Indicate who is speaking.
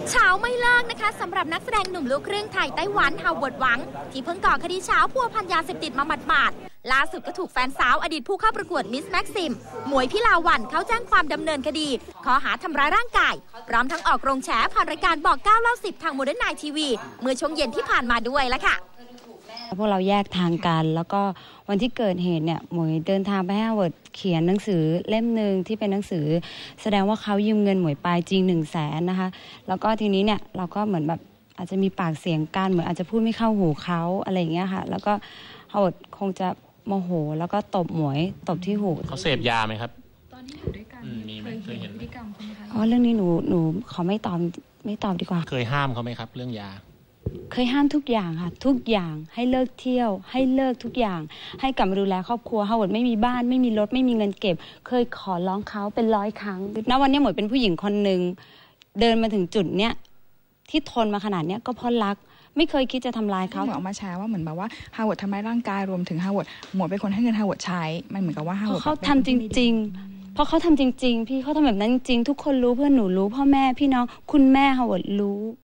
Speaker 1: เช้าไม่เลิกนะคะสำหรับนักแสดงหนุ่มลูกครึ่งไทยไต้หวันฮาวเวิร์ดหวังที่เพิ่งก่อคดีเช้าพัวพันยาเสพติดมาหมาดๆล่าสุดก็ถูกแฟนสาวอดีตผู้เข้าประกวดมิสแม็กซิมหมวยพิลาวันเขาแจ้งความดำเนินคดีข้อหาทำร้ายร่างกายพร้อมทั้งออกโรงแฉผ่านรายการบอก9เล่า10ทางโมเดิร์นไนท์ทีวีเมื่อช่วงเย็นที่ผ่านมาด้วยละค่ะ
Speaker 2: พวกเราแยกทางกันแล้วก็วันที่เกิดเหตุเนี่ยหมวยเดินทางไปให้ฮาร์วาร์ดเขียนหนังสือเล่มหนึ่งที่เป็นหนังสือแสดงว่าเขายืมเงินหมวยไปจริง100,000นะคะแล้วก็ทีนี้เนี่ยเราก็เหมือนแบบอาจจะมีปากเสียงกันเหมือนอาจจะพูดไม่เข้าหูเขาอะไรอย่างเงี้ยค่ะแล้วก็ฮาร์วาร์ดคงจะโมโหแล้วก็ตบหมวยตบที่หู
Speaker 3: เขาเสพยาไหมครับ
Speaker 4: ตอนที่อยู่ด้วยกัน
Speaker 3: มีไหมเคยเห็นพฤติกรรม
Speaker 4: เขาไหมคะ
Speaker 2: อ๋อเรื่องนี้หนูขอไม่ตอบดีกว่า
Speaker 3: เคยห้ามเขาไหมครับเรื่องยา
Speaker 2: เคยห้ามทุกอย่างค่ะทุกอย่างให้เลิกเที่ยวให้เลิกทุกอย่างให้กลับมาดูแลครอบครัวฮาร์วาร์ดไม่มีบ้านไม่มีรถไม่มีเงินเก็บเคยขอร้องเขาเป็น100 ครั้งณวันนี้หมวยเป็นผู้หญิงคนหนึ่งเดินมาถึงจุดเนี้ยที่ทนมาขนาดเนี้ยก็เพราะรักไม่เคยคิดจะทำลายเขา
Speaker 4: ออกมาแชร์ว่าเหมือนแบบว่าฮาร์วาร์ดทำร้ายร่างกายรวมถึงฮาร์วาร์ดหมวยเป็นคนให้เงินฮาร์วาร์ดใช้มันเหมือนกับว่าฮาร์วาร์ด
Speaker 2: เขาทำจริงๆเพราะเขาทำจริงๆพี่เขาทำแบบนั้นจริงทุกคนรู้เพื่อนหนูรู้พ่อแม่พี่น้องคุณแม่ฮาร์วาร์ดรู้